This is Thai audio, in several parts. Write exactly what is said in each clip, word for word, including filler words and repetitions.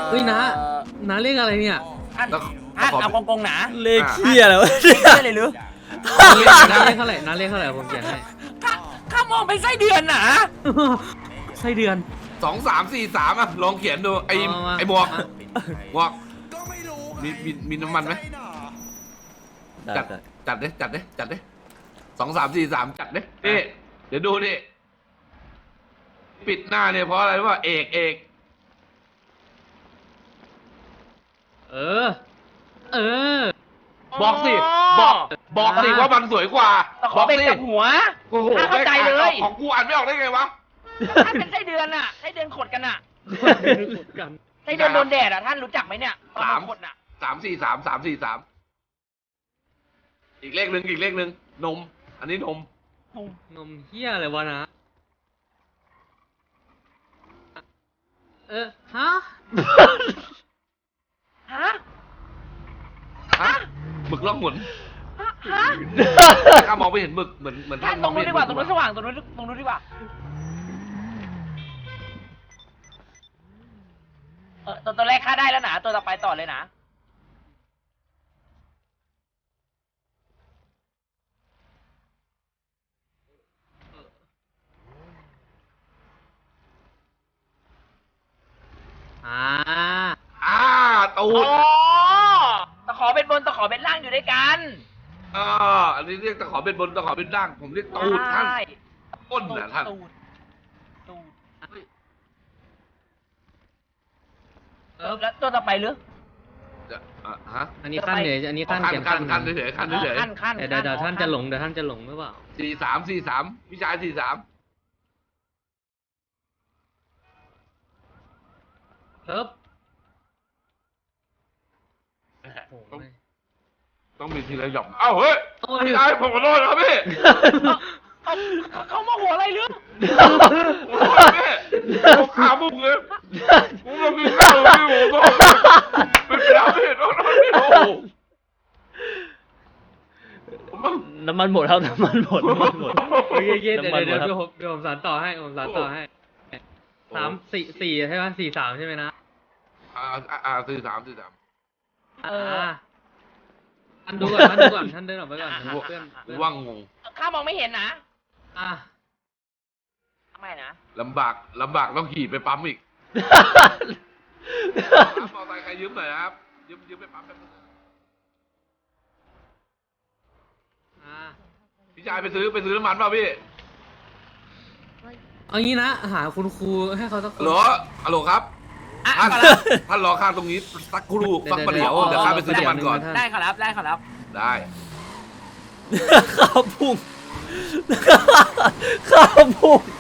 เฮ้ยนะน้าเลขอะไรเนี่ยท่านท่านเอากงกงหนาเลขเคี้ยแล้วเลขเคี้ยเลยหรือน้าเลขเท่าไหร่น้าเลขเท่าไหร่ผมเขียนให้ข้าข้ามองเป็นไส้เดือนหนาไส้เดือนสองสามสี่สามอ่ะลองเขียนดูไอ้ไอ้บวกบวกมีมีมีน้ำมันไหมจัดจัดดิจัดดิจัดดิสองสามสี่สามจัดดินี่เดี๋ยวดูนี่ปิดหน้าเนี่ยเพราะอะไรรู้ป่ะเอกเอกเออเออบอกสิบอกบอกสิว่ามันสวยกว่าบอกสิกับหัวโอ้โหเข้าใจเลยของกูอ่านไม่ออกได้ไงวะท่านเป็นไส้เดือนอ่ะไส้เดือนขดกันอ่ะไส้เดือนโดนแดดอ่ะท่านรู้จักไหมเนี่ยสามขดอ่ะสามสี่สามสามสี่สามอีกเลขหนึ่งอีกเลขหนึ่งนมอันนี้นมนมเฮียอะไรวะนะเออฮะฮะฮะหมึกล่องหมุนฮะข้ามองไม่เห็นหมึกเหมือนเหมือนท่านตรงนู้นดีกว่าตรงนู้นสว่างตรงนู้นตรงนู้นดีกว่าเออตัวตัวแรกฆ่าได้แล้วนะตัวต่อไปต่อเลยนะอ่าอ่าตูดตะขอเป็นบนตะขอเป็นล่างอยู่ด้วยกันอ่าอันนี้เรียกตะขอเป็นบนตะขอเป็นล่างผมเรียกตูดท่านก้นนะท่านตูดตูดเออแล้วตัวต่อไปหรือฮะอันนี้ขั้นเฉยอันนี้ขั้นเขียนขั้นขั้นเฉยขั้นเฉยขั้นขั้นเดี๋ยวเดี๋ยวท่านจะหลงเดี๋ยวท่านจะหลงหรือเปล่าสี่สามสี่สามพี่ชายสี่สามครับต้องมีทีละหย่อมเอ้าเฮ้ยพี่ชายผมขอโทษครับพี่เขามาหัวอะไรหรือผมขาบุกเลยผมเรากินข้าวพี่ผมเป็นแล้วพี่โทษพี่โอ้น้ำมันหมดครับน้ำมันหมดน้ำมันหมดโอเคเดี๋ยวเดี๋ยวเดี๋ยวผมเดี๋ยวผมสานต่อให้ผมสานต่อให้สามสี่สี่ใช่ไหมสี่สามใช่ไหมนะอ่าอ่าสี่สามสี่สามเออท่านดูก่อนท่านดูก่อนท่านเดินออกไปก่อนเพื่อนว่างงงข้ามองไม่เห็นนะอ่ะทำไมนะลำบากลำบากต้องขี่ไปปั๊มอีกมอเตอร์ไซค์ใครยืมหน่อยครับยืมยืมไปปั๊มแป๊บนึงพี่ชายไปซื้อไปซื้อน้ำมันเปล่าพี่เอางี้นะหาคุณครูให้เขาสักคนฮัลโหลฮัลโหลครับท่านท่านรอข้างตรงนี้สักครู่สักประเดี๋ยวเดี๋ยวข้าไปซื้อน้ำมันก่อนได้ครับได้ครับได้ข้าวพุ่งข้าวพุ่ง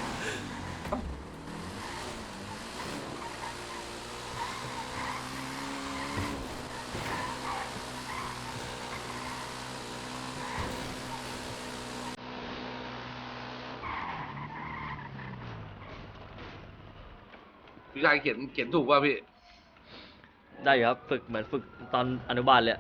พี่ชายเขียนเขียนถูกป่ะพี่ได้ครับฝึกเหมือนฝึกตอนอนุบาลเลย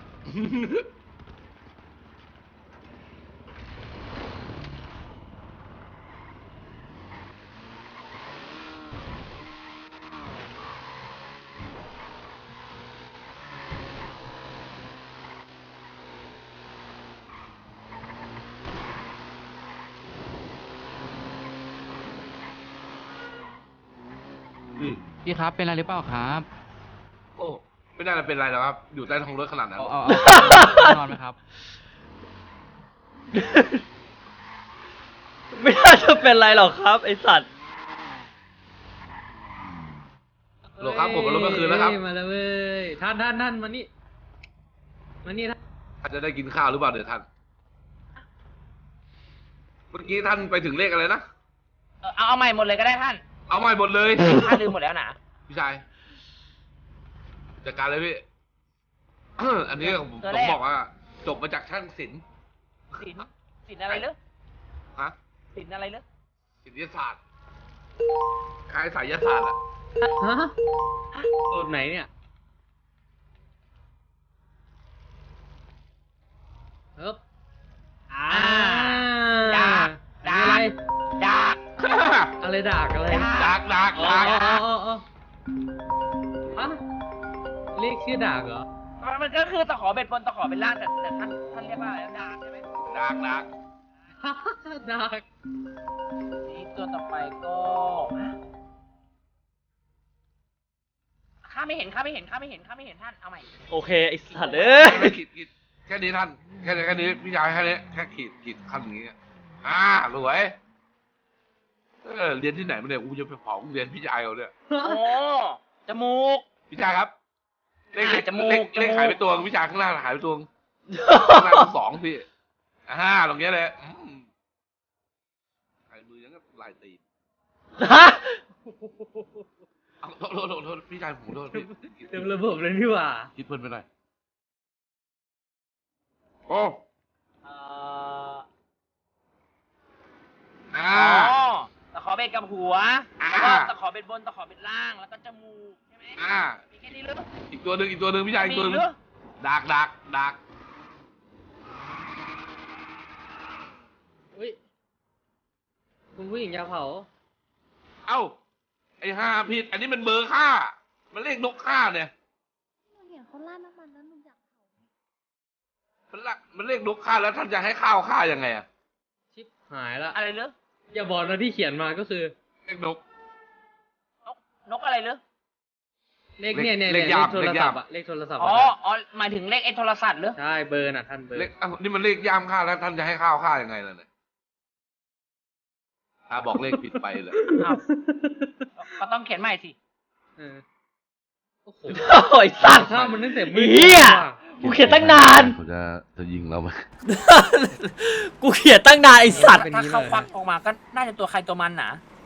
พี่ครับเป็นอะไรหรือเปล่าครับโอ้ไม่ได้เป็นไรหรอกครับอยู่ใต้ท้องรถขนาดนั้นเอานอนไหมครับไม่น่าจะเป็นไรหรอกครับไอสัตว์โหลครับผมมารถเมื่อคืนแล้วครับมาแล้วเว้ยท่านท่านท่านมานี่มานี่ท่านท่านจะได้กินข้าวหรือเปล่าเดี๋ยวท่านเมื่อกี้ท่านไปถึงเลขอะไรนะเอาเอาใหม่หมดเลยก็ได้ท่านเอาใหม่หมดเลยท่านลืมหมดแล้วนะพี่ชายจัดการเลยพี่อันนี้ผมผมบอกว่าจบมาจากช่างศิลป์ศิลป์ศิลป์อะไรเลือฮะศิลป์อะไรเลือศิลปศาสตร์คล้ายสายศาสตร์อะฮะตัวไหนเนี่ยเฮ้ยอ่าดากดากดากอะไรดากอะไรดากดากดากะเรียกชื่อดากเหรอมันก็คือตะขอเบ็ดบนตะขอเบ็ดล่างแต่แต่ท่านท่านเรียกว่าอะไรนะดาบใช่ไหมดักดักดากนี่ตัวต่อไปก็ข้าไม่เห็นข้าไม่เห็นข้าไม่เห็นข้าไม่เห็นท่านเอาใหม่โอเคไอ้สัตว์เอ้ยไม่ขีดขีดแค่นี้ท่านแค่นี้แค่นี้พี่ชายแค่นี้แค่ขีดขีดขั้นอย่างงี้อ่ารวยเออเรียนที่ไหนมาเนี่ยกูจะไปเผาโรงเรียนพี่ชายเขาเนี่ยโอ้จมูกพี่ชายครับเลขเลขจมูกเลขจมูกเลขหายไปตัวพี่ชายข้างหน้าหายไปตัวข้างหน้าสองพี่อ่าตรงเนี้ยเลยอืมไอ้มือยังก็ลายตีนฮะเอาโทษโทษโทษโทษพี่ชายผมโทษพี่เต็มระบบเลยนี่หว่าคิดเพลินไปหน่อยโอ้เอ่ออ่าอ๋อตะขอเบ็ดกับหัวอ่าแล้วก็ตะขอเบ็ดบนตะขอเบ็ดล่างแล้วก็จมูกใช่ไหมอ่ามีแค่นี้หรืออีกตัวหนึ่งอีกตัวหนึ่งพี่ชายอีกตัวหมีนึ่งหรือดักดักดักอุ้ยคุณผู้หญิงอยาเผาเอ้าไอ้ห้าผิดอันนี้มันเบอร์ค่ามันเลขนกค่าเนี่ยหนูเห็นเขาราดน้ำมันแล้วหนูอยากเผามันละมันเลขนกค่าแล้วท่านจะให้ข้าวค่ายังไงอะชิปหายละอะไรหรืออย่าบอกนะที่เขียนมาก็คือเลขนกนกนกอะไรหรือเลขเนี่ยเนี่ยเลเนี่ยขเลยามขโทรเลขศัยาพมท์อะเลขโทรศัพท์อ๋ออะอ๋อหมายถึงเลขไอ้โทรศัพท์หรือใช่เบอร์น่ะท่านเบอร์เลขอ้าวนี่มันเลขย่ามค่าแล้วท่านจะให้ข้าวค่ายังไงล่ะเนี่ยถ้าบอกเลขผิดไปเลยอ้าวก็ต้องเขียนใหม่สิเออโอ้โหโอ้ยสัตว์ข้าวมันตั้งแต่มืดเหี้ย กูเขียนตั้งนานเขาจะจะยิงเราไหมกูเขียนตั้งนานไอ้สัตว์เป็นถ้านี้เขาเลยควักออกมาก็น่าจะตัวใครตัวมันหนา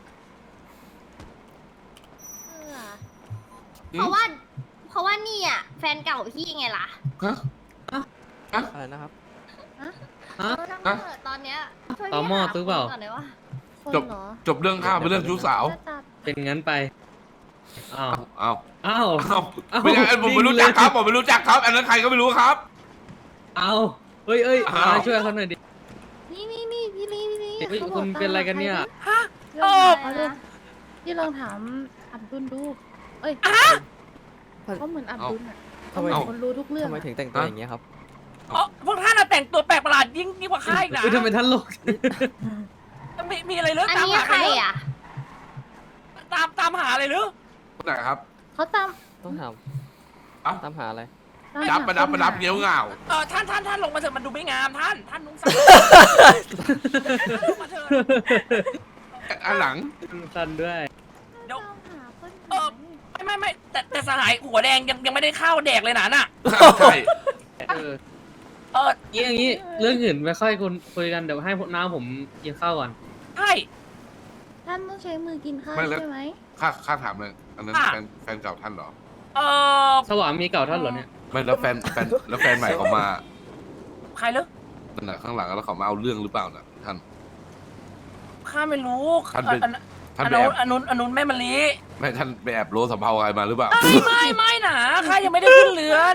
เออเพราะว่า เพราะว่านี่อ่ะแฟนเก่าพี่ไงล่ะฮะอะไรนะครับฮะฮะเออทั้งเปิดตอนเนี้ยช่วยต่อหม้อพี่าซื้อเปล่าคนก่อนเลยว่าคนจบเหรอจบเรื่องข้าวเป็นเรื่องชู้สาวน่าจะเป็นงั้นไปอ้าวเอ้าอ้าวเอ้าเอ้าไม่ใช่ผมไม่รู้จักครับผมไม่รู้จักครับ อันนั้นใครก็ไม่รู้ครับเอาเฮ้ยเอ้ยอ้าวมาช่วยเขาหน่อยดินี่นี่นี่พี่ลีพี่ลีเฮ้ยขาบคุณเป็นอะไรกันเนี่ยฮะเรื่องอะไรนะพี่ลองถามอับดุลดู เอ้ยเขาเหมือนอับดุลอ่ะทำไมเขาเหมือนคนรู้ทุกเรื่องทำไมอะถึงแต่งตัวอย่างเงี้ยครับอ๋อพวกท่านน่ะแต่งตัวแปลกประหลาดยิ่งยิ่งกว่าข้าอีกนะเฮ้ยทำไมท่านโลกมีมีอะไรหรืออันตามนี้หาใครหรืออ่ะตามตามหาอะไรหรือไหนครับเขาตามต้องถามเอ้าตามหาอะไรตามดับหาประดับประดับคนหาเงี้ยวเหงาเออท่านท่านท่านลงมาเถอะมันดูไม่งามท่านท่านนุ่งสั้นลงมาเถอะอันหลังสันด้วยเดี๋ยวตามหาคนเออไม่ไม่ไม่แต่แต่สหายหัวแดงยังยังไม่ได้ข้าวแดกเลยนะน่ะใช่เออเอองี้อย่างงี้เรื่องอื่นไม่ค่อยคุยคุยกันเดี๋ยวให้พวกน้าผมกินข้าวก่อนใช่ท่านต้องใช้มือกินข้าวไม่แล้วใช่ไหมข้าข้าถามเลยอันนั้นแฟนแฟนเก่าท่านเหรอเออสวามีเก่าท่านเหรอเนี่ยไม่แล้วแฟนแฟนแล้วแฟนใหม่เขามาใครหรือนั่นน่ะข้างหลังแล้วเขามาเอาเรื่องหรือเปล่าน่ะท่านข้าไม่รู้ท่านเป็นอันท่านอันไปนู้แอน บอันนู้นอันนู้นแม่มะลิไม่ท่านไปแอบโลสัมภาระใครมาหรือเปล่าไม่ไม่ไม่หนาข้ายังไม่ได้ขึ้นเรือน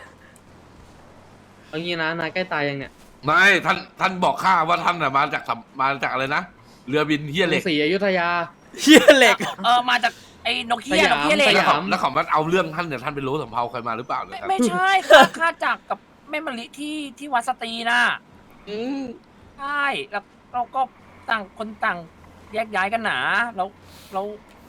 เอางี้นะนายใกล้ตายยังเนี่ยไม่ท่านท่านบอกข้าว่าท่านน่ะมาจากสัมมาจากอะไรนะเรือบินเฮียเหล็กศรีอยุธยาเฮียเหล็กเออมาจากไอ้นกเฮียสนยามกเฮียเหล็กสแล้วยเขาแล้วเขามาเอาเรื่องท่านเนี่ยท่านไปโลสัมภาระใครมาหรือเปล่าเนี่ยไม่ครับไม่ใช่ข้าข้าจากกับแม่มะลิที่ที่วัดสตรีน่ะอืมใช่แล้วเราก็ต่างคนต่างแยกย้ายกันหนาแล้วเรา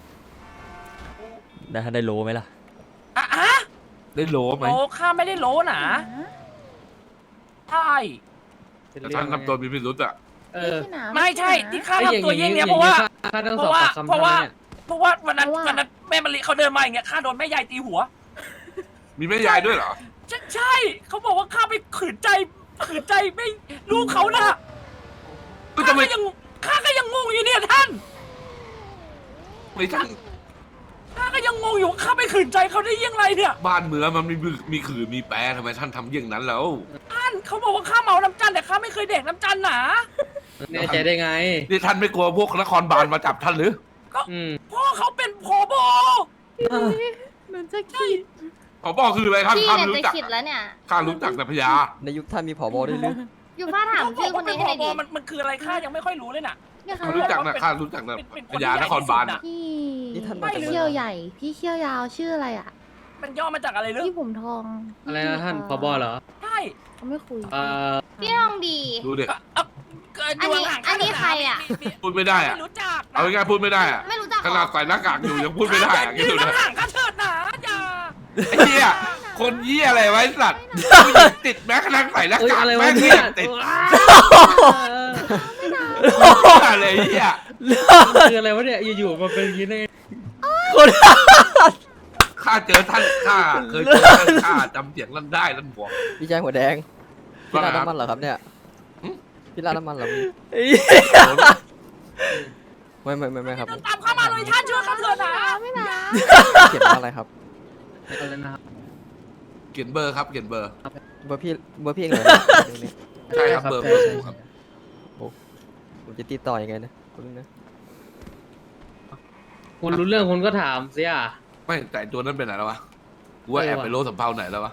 ได้ท่านได้โลไหมล่ะอ่ะอะได้โลไหมโลข้าไม่ได้โลหนาใช่แต่ท่านทำตัวมีพิรุษอ่ะเออไม่ใช่ที่ข้าไอ้ทำตัวเยี่ยงเนี้ยเพราะว่าข้าต้องเพสอบราะว่าปากคำเพราะว่าท่านเนี่ยเพราะว่าวันนั้นเพราะว่าวันนั้นแม่มะลิเขาเดินมาอย่างเงี้ยข้าโดนแม่ยายตีหัวมีแม่ยายด้วยเหรอใช่ใช่เขาบอกว่าข้าไปขืนใจขืนใจไม่ลูกเขาน่ะก็ข้าจะไม่ก็ยังข้าก็ยังงงอยู่เนี่ยท่านไม่ท่านข้าก็ยังงงอยู่ว่าข้าไปขืนใจเขาได้ยังไงเนี่ยบ้านเมืองมันมีบึกมีขื่อมีแปรทำไมท่านทำเยี่ยงนั้นแล้วท่านเขาบอกว่าข้าเมาน้ำจันทร์แต่ข้าไม่เคยเด็กน้ำจันทร์หนาแน่ใจได้ไงนี่ท่านไม่กลัวพวกนครบาลมาจับท่านหรืออืมพ่อเขาเป็นผบเหมือนจะคิดผอบอกคืออะไรท่านพี่ข้าเนี่ยรู้จะจักคิดแล้วเนี่ยข้ารู้จักแต่พญาในยุคท่านมีผบด้วยหรืออยู่ฟ้าถามเขาบชื่ออก คว่าน เป็นนี้ผให้หน่อยบดิมันมันคืออะไรข้ายังไม่ค่อยรู้เลยน่ะเนี่ยค่ะข้ารู้จักนะข้ารู้จักนะเป็นเป็นพญานครบาลน่ะพี่นี่ท่านไม่มาจากรู้เมืเขี้องยวใหญ่ พี่เขี้ยวยาวชื่ออะไรอ่ะมันย่อมาจากอะไรลึกพี่ผมทองอะไรนะท่านผบเหรอใช่เขาไม่คุยเอ่อพี่ลองดีดูเด็กเกิดอันนี้ห่างอันนี้ใครอะพูดไม่ได้อะไม่รู้จักเอาง่ายๆพูดไม่ได้อะไม่รู้จักขนาดใส่หน้ากากอยู่ยังพูดไม่ได้อะคิดยืดูนนะห่างๆกันเถิดหนาอย่าไอ้เหี้ยคนเหี้ยอะไรไว้สัตว์ผู้หญิงติดแม้กระทั่งใส่หน้าเอ้ยกากอะไรวะแม่งเนี่เหี้ยยติดเอออะไรเหี้ยคืออะไรวะเนี่ยอยู่ๆมาเป็นอย่างนี้ได้ไงคนข้าเจอท่านข้าเคยเจอท่านข้าจำเสียงนั้นได้ท่านบอกพี่แจ้งหัวแดง พี่ราดว่าไงครับน้ำมันเหรอครับเนี่ยหึพี่ราดน้ำมันเหรอพี่ไอ้ไม่ไม่ไม่ไม่ครับเดินตามเข้ามาเลยท่านช่วยข้าเถิดหนาไม่นะเขียนว่าอะไรครับอะไรนะครับเขียนเบอร์ครับเขียนเบอร์เบอร์พี่เบอร์พี่เองเหรอเนี่ยใช่ครับเบอร์เบอร์ผมครับผมจะติดต่อยังไงนะคุณนะคุณรู้เรื่องคุณก็ถามสิอ่ะไม่แต่ตัวนั้นเป็นไหนแล้ววะกูว่าเออแอบว่ะไปโลสัมเภาไหนแล้ววะ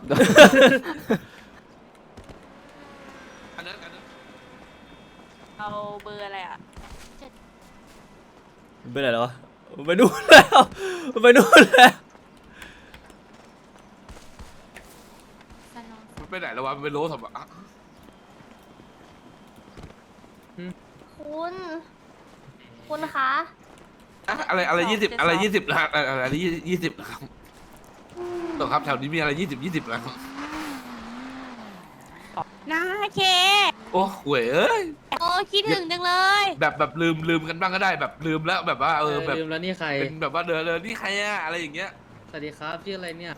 อันนั้นอันนั้นเอาเบอร์อะไรอ่ะไปไหนแล้ววะไปนู่นแล้วไปนู่นแล้วมันไปไหนแล้ววะมันไปโลสัมเภาอ่ะคุณ คุณคะอะอะไรอะไรสองยี่สิบเจ็ดอะไรสองยี่สิบนะอะไรอะไรยี่ยี่สิบนะครับตกครับแถวนี้มีอะไรยี่สิบยี่สิบนะนาเคโอ้หวยเอ้ยโอ้คิดถึงจังเลยแบบแบบลืมลืมกันบ้างก็ได้แบบลืมแล้วแบบว่าเออแบบลืมแล้วนี่ใครเป็นแบบว่าเดินเดินนี่ใครอะอะไรอย่างเงี้ยสวัสดีครับชื่ออะไรเนี่ย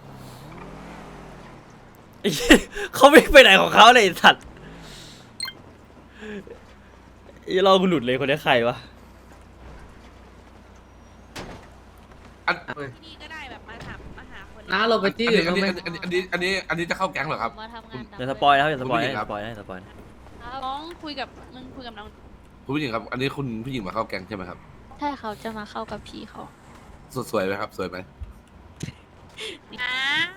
ไอ้เหี้ยเขาไม่ไปไหนของเขาเลยไอ้สัตว์ไอ้เราหลุดเลยคนนี้ใครวะอันที่นี่ก็ได้แบบมาถามมาหาคนน้าเราไปที่อันอื่นี้นอันบ้างไหมนี้อันนี้อันนี้อันนี้จะเข้าแก๊งเหรอครับมาทำงานอย่าสปอยนะครับอย่าสปอยคุณผู้หญินะงอย่าครัสบปอยนะอย่าสปอยนะน้องคุยกับมึงคุยกับน้องคุณผู้หญิงครับ อันนี้คุณผู้หญิงมาเข้าแก๊งใช่ไหมครับใช่เขาจะมาเข้ากับพี่เขาสวยสวยไหมครับสวยไหมอ่า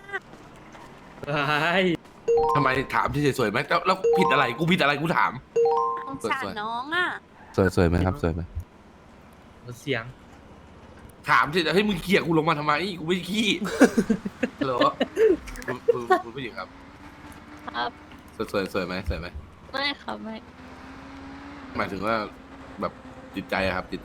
ไอ้ทำไมถามที่สวยไหมแล้วแล้วผิดอะไรกูผิดอะไรกูถามสงสารน้องอ่ะสวยสวยไหมครับสวยไหมเสียงถามที่ให้ยมึงเขี่ยกูลงมาทำไมกูไม่ขี้ฮัลโหลคุณคุณคุณผู้หญิงครับครับสวยสวยสวยไหมสวยไหมไม่ครับไม่หมายถึงว่าแบบจิตใจอะครับ จิตใจ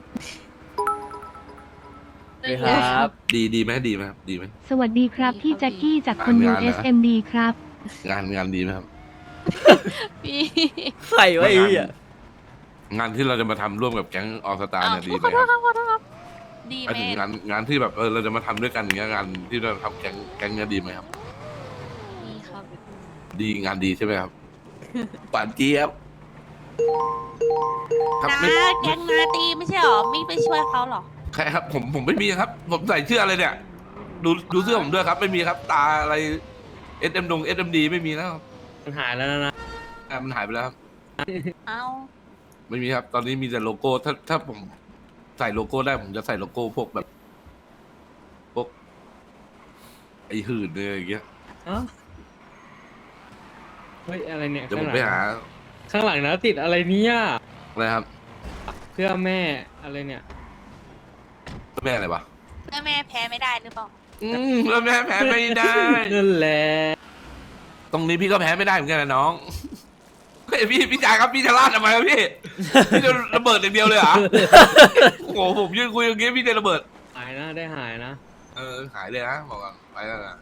สวัสดีครับดีดีไหมดีไหมครับดีไหมสวัสดีครับ พี่แจ็คกี้จากคนงาดูนนะเอส เอ็ม ดี ครับงานงานดีไหมครับพี่ใครวะไอ้เหี้ยงานที่เราจะมาทำร่วมกับแก๊งออสตาเนี่ยดีไหขมอโทคษรับครับขอโทษครับดีหมายแม่ถึงงานงานที่แบบเออเราจะมาทำด้วยกันอย่างเงี้ยงานที่เราทำแก๊งแก๊งเนี้ยดีไหมครับดีครับดีงานดีใช่ไหมครับปานเจี๊ยบครับนาไม่แกงนาตีไม่ใช่หรอไม่ไปช่วยเขาหรอใครครับ ผมผมไม่มีครับ ผมใส่เสื้ออะไรเนี่ย ดูดูเสื้อผมด้วยครับ ไม่มีครับ ตาอะไรเอสเอ็มดงเอสเอ็มดีไม่มีแล้วครับมันหายแล้วนะอ่ะมันหายไปแล้วครับเอาไม่มีครับ ตอนนี้มีแต่โลโก้ ถ้าถ้าผมใส่โลโก้ได้ผมจะใส่โลโก้พวกแบบพวกไอ้หื่นเลยอย่างเงี้ยอ๋อเฮ้ยอะไรเนี่ยเดี๋ยวผข้างมหลัไปงหาข้างหลังนะติดอะไรเนี่ยอะไรครับเพื่อแม่อะไรเนี่ยแม่อะไรวะเพื่อแม่แพ้ไม่ได้หรือเปล่าอืมแล้วแม่แพ้ไม่ได้นั่นแหละตรงนี้พี่ก็แพ้ไม่ได้เหมือนกันนะน้องเฮ้ยพี่พี่จ่ายครับพี่จะลาดทำไมครับพี่ พี่จะระเบิดอย่างเดียวเลยเหรอ โอ้โหผมยืนคุยอย่างเงี้ยพี่จะระเบิดหายนะได้หายนะเออหายเลยนะบอกก่อนไปแล้วนะ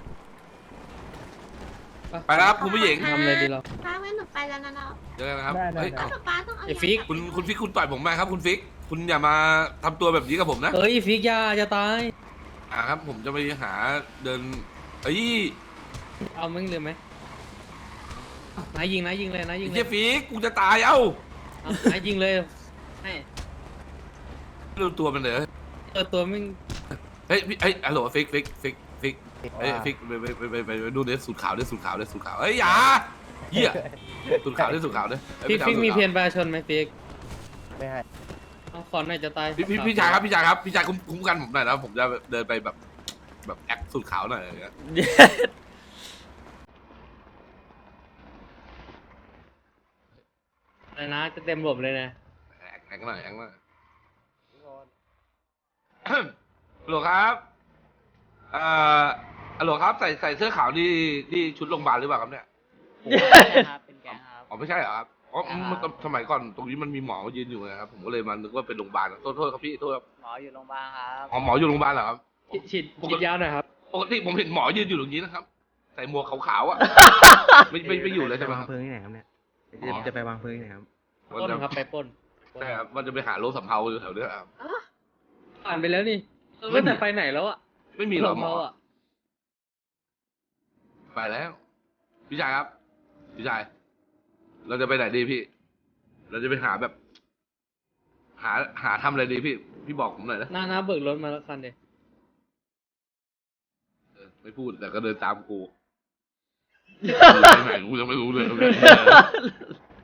ไปแล้วครับคุณผู้หญิงทำอะไรดีเราป้าไม่หนูไปแล้วนะเนาะเจอกันนะครับเฮ้ยเอ้าป้าต้องเอาไอ้ฟิกคุณคุณฟิกคุณต่อยผมมาครับ คุณฟิก คุณอย่ามาทำตัวแบบนี้กับผมนะเอ้ยฟิกยาจะตายอ่าครับ ผมจะไปหาเดินเอ้ยเอามึงเลยไหมนายยิงนายยิงเลยนายยิงเลเฮียยฟิกกูจะตายเอ้าเอานายยิงเลยให้ดูตัวมันเลยเออตัวมึงเฮ้ยพี่เฮ้ยฮัลโหลฟิกฟิกฟิกฟิกเฮ้ยฟิกไปไปไปไปไปไปดูเดสสูตรขาวเดสสูตรขาวเดสสูตรขาวเฮ้ยอย่าเหี้ยสูตรขาวเดสสูตรขาวเด้ฟิกฟิกมีเพียนประชาชนไหมฟิกเอาขอนหน่อยจะตายพี่พี่พี่ชายครับพี่ชายครับพี่ชายคุ้มคุ้มกันผมหน่อยนะผมจะเดินไปแบบแบบแอคสูตรขาวหน่อยอะไรเงี้ยอะไรนะจะเต็มระบบเลยนะแอคแอคหน่อยแอคหน่อยฮัลโหลครับเอ่ออัลโหลครับใส่ใส่เสื้อขาวนี่นี่ชุดโรงพยาบาลหรือเปล่าครับเนี่ยครับเป็นแกงครับอ๋อไม่ใช่เหรอครับอ๋อครับมันสมัยก่อนตรงนี้มันมีหมอยืนอยู่นะครับผมก็เลยมานึกว่าเป็นโรงพยาบาลโทษโทษครับพี่โทษครับหมออยู่โรงพยาบาลครับอ๋อหมออยู่โรงพยาบาลเหรอครับฉีดฉีดฉีดยาหน่อยครับปกติผมเห็นหมอยืนอยู่ตรงนี้นะครับ ใส่หมวกขาวๆอ่ะ ไม่ไม่ไม่อยู่เลยใช่ไหมครับวางเพลิงที่ไหนครับเนี่ยอ๋อจะไปวางเพลิงที่ไหนครับว่าปล้นจะครับไปปล้นใช่ครับว่าจะไปหาโรถสำเภาอยู่แถวเนี้ยครับผ่านไปแล้วนี่เออแต่ไปไหนแล้วอ่ะไม่มีหรอกหมอเราอ่ะไปแล้ว พี่ชายครับ พี่ชาย เราจะไปไหนดีพี่ เราจะไปหาแบบ หาหาทำอะไรดีพี่ พี่บอกผมหน่อยนะน้าน้าเบิกรถมาแล้วคันเดียวเออไม่พูดแต่ก็เดินตามกู ไปไหนกูยังไม่รู้เลย